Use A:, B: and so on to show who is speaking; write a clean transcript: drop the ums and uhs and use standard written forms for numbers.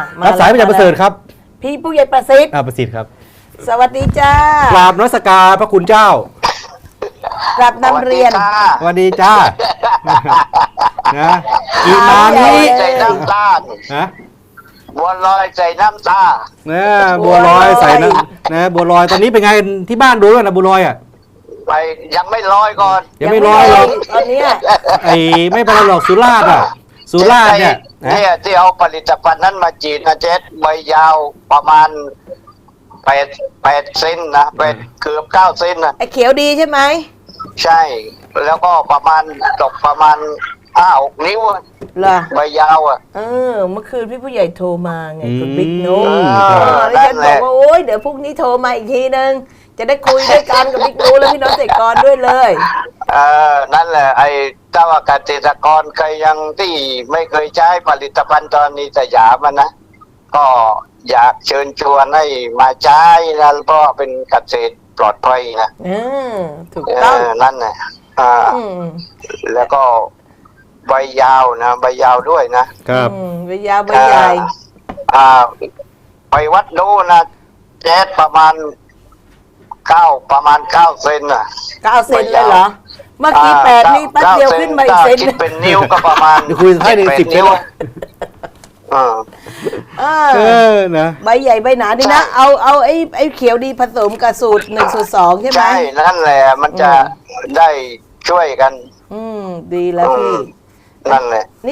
A: รับสายมาจากประเสริฐครับ
B: พี่ผู้ใหญ่ประสิทธิ์
A: ประสิทธิ์ครับ
B: สวัสดีจ้าก
A: ราบนมัสการพระคุณเจ้าก
B: ราบนำเรียน
A: สวัสดีจ้านะอีมานี้
C: ใส่น้ำตาล
A: นะ
C: บัวลอยใส่น้ำตา
A: นะบัวลอยใส่นะบัวลอยตอนนี้เป็นไงที่บ้านดูแล้วนะบัวลอยอ่ะ
C: ไปยังไม่ลอยก่อน
A: ยังไม่ลอยหรอก
B: ตอนเนี้ย
A: ไอ้ไม่เป็นไรหรอกสุราษฎร์อ่ะสุราษฎร์เนี่ยนะ
C: เนี่ยที่เอาผลิตภัณฑ์นั้นมาจีดนะเจ๊ใบยาวประมาณ8 เซนนะเกือบ9 เซนนะ
B: ไอ้เขียวดีใช่ไหม
C: ใช่ แล้วก็ประมาณตกประมาณ5-6 นิ้วอะ
B: เหรอ
C: ใบยาวอ่ะ
B: เมื่อคืนพี่ผู้ใหญ่โทรมาไงคุณบิ๊กโน้
C: นั่
B: แล้วฉั
C: น
B: น
C: แห
B: บอ
C: ละ
B: กว่าโอ๊ยเดี๋ยวพรุ่งนี้โทรมาอีกทีนึงจะได้คุยด้วยกันกับบิ๊กโน้และพี่น้องเกษตรกรด้วยเลย
C: นั่นแหละไอ้ถ้าว่าเกษตรกรเคยยังที่ไม่เคยใช้ผลิตภัณฑ์ตอนนี้สยามอะนะก็อยากเชิญชวนให้มาใช้นะเพราะว่าเป็นเกษตรปลอดภัยนะ
B: ถูกต้อง
C: นั่นแหละ
B: อืม
C: แล้วก็ใบยาวนะใบยาวด้วยนะครับ
B: ใบยาวใบใหญ่
C: ไปวัดดูนะแจ๊ดประมาณ9 เซนน่ะ
B: 9 เซนเลยเหรอ เมื่อกี้8นี่แป๊บเดียวขึ้นมาอีกเซน
C: คิดเป็นนิ้วก็ประมาณ
A: เดี๋ยวคุยให้ใน
C: 7-8
A: 10
C: นิ้ว
A: เซน นะ
B: ใบใหญ่ใบหนาดีนะ เอาไอ้เขียวดีผสมกับสูตร1 สูตร 2ใช่ไหม
C: ใช่นั่นแหละมันจะได้ช่วยกัน
B: ดีแล้วพี่
C: นั่นแหละ